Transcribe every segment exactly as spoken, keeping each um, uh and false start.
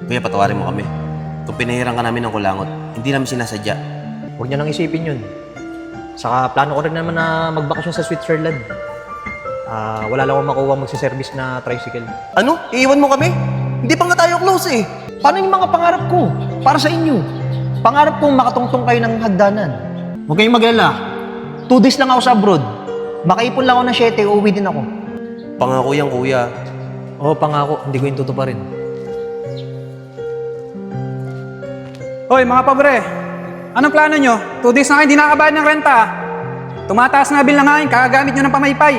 Kuya, patawarin mo kami. Kung pinahiran ka namin ng kulangot, hindi namin sinasadya. Huwag niyo nang isipin yun. Saka plano ko rin naman na magbakasyon sa Switzerland. Ah, wala lang akong makuha magsiservice na tricycle. Ano? Iiwan mo kami? Hindi pa nga tayo close eh. Paano yung mga pangarap ko? Para sa inyo. Pangarap kong makatungtong kayo ng hagdanan. Huwag kayong maglala. Two days lang ako sa abroad. Makaipon lang ako ng siyete, uuwi din ako. Pangako yan, kuya. Oo, pangako. Hindi ko yung tutuparin. Hoy mga pabre, anong plano nyo? Two days na kayo hindi nakakabayad ng renta. Tumataas na bill na nga yun, kakagamit nyo ng pamaypay.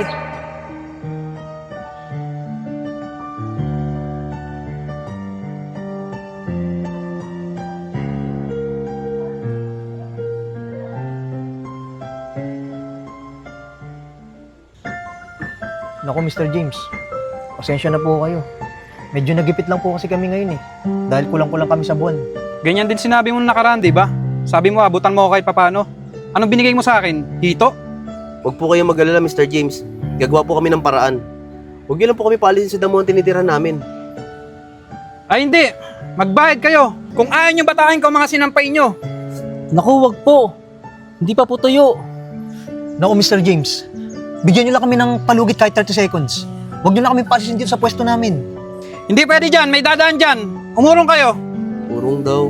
Naku, Mister James. Pasensya na po kayo. Medyo nagipit lang po kasi kami ngayon eh. Dahil kulang-kulang kami sa buwan. Ganyan din sinabi mo nung nakaraan, di ba? Sabi mo, abutan mo ako kahit papano. Anong binigay mo sa akin? Hito? Huwag po kayong mag-alala, Mister James. Gagawa po kami ng paraan. Huwag niyo lang po kami paalisin sa damo ang tinitira namin. Ay hindi! Magbayad kayo! Kung ayaw nyo batakin ko mga sinampay nyo! Naku, wag po. Hindi pa po tuyo. Naku, Mister James. Bigyan niyo lang kami ng palugit kahit thirty seconds. Huwag niyo lang kami paalisin dito sa pwesto namin. Hindi pwede dyan! May dadaan dyan! Umurong kayo! Urong daw.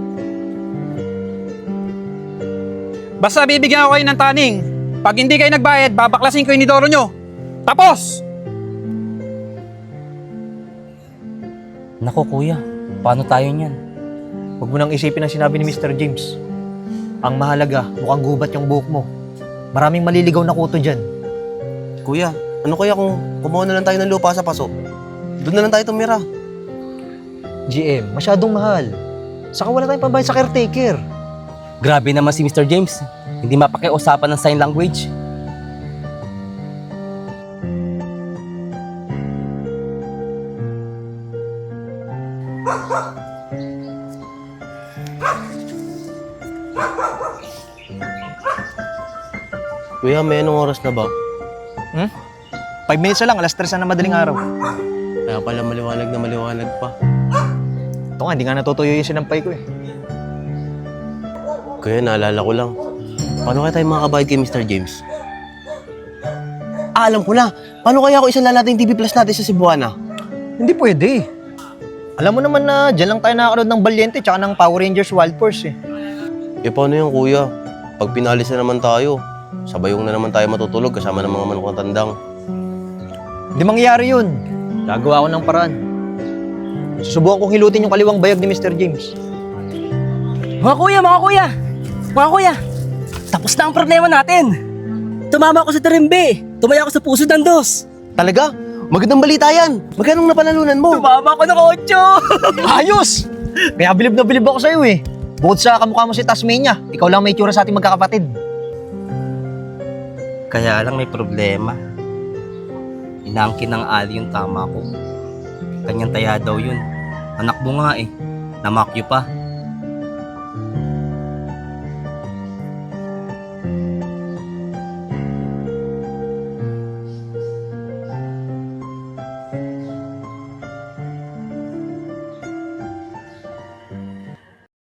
Basta bibigyan ako kayo ng taning. Pag hindi kayo nagbayad, babaklasin ko yung nidoro nyo. Tapos! Naku, kuya. Paano tayo niyan? Huwag mo nang isipin ang sinabi ni Mister James. Ang mahalaga, mukhang gubat yung buhok mo. Maraming maliligaw na kuto dyan. Kuya, ano kaya kung kumuha na lang tayo ng lupa sa paso? Doon na lang tayo tumira. G M, masyadong mahal. Saka wala tayong pambayad sa caretaker. Grabe naman si Mister James. Hindi mapakiusapan ng sign language. Kuya, may anong oras na ba? Hmm? Five minutes na lang, alas tres na ng madaling araw. Kaya pala maliwanag na maliwanag pa. Ito nga, hindi nga natutuyo yung sinampay ko eh. Kuya, naalala ko lang. Paano kaya tayo makakabayad kay Mister James? Ah, alam ko na. Paano kaya ako isalala natin yung T V Plus natin sa Cebuana? Hindi pwede. Alam mo naman na dyan lang tayo nakakanood ng Valiente tsaka ng Power Rangers Wild Force eh. Eh, paano yung kuya? Pag pinalis na naman tayo, sabayong na naman tayo matutulog kasama ng mga manukang tandang. Hindi mangyayari yun. Gagawa ko ng paraan. Susubukan kong hilutin yung kaliwang bayag ni Mister James. Mga kuya, mga kuya! Mga kuya! Tapos na ang problema natin! Tumama ako sa tarimbe! Tumaya ako sa puso ng dos! Talaga? Magandang balita yan! Magkano napanalunan mo? Tumama ako ng otso! Ayos! Kaya bilib na bilib ako sa'yo eh. Bukod sa kamukha mo si Tasmania, ikaw lang may itsura sa ating magkakapatid. Kaya lang may problema. Inaangkin ng Ali yung tama ko. Kanyang taya daw yun. Anak mo nga eh. Namakyo pa.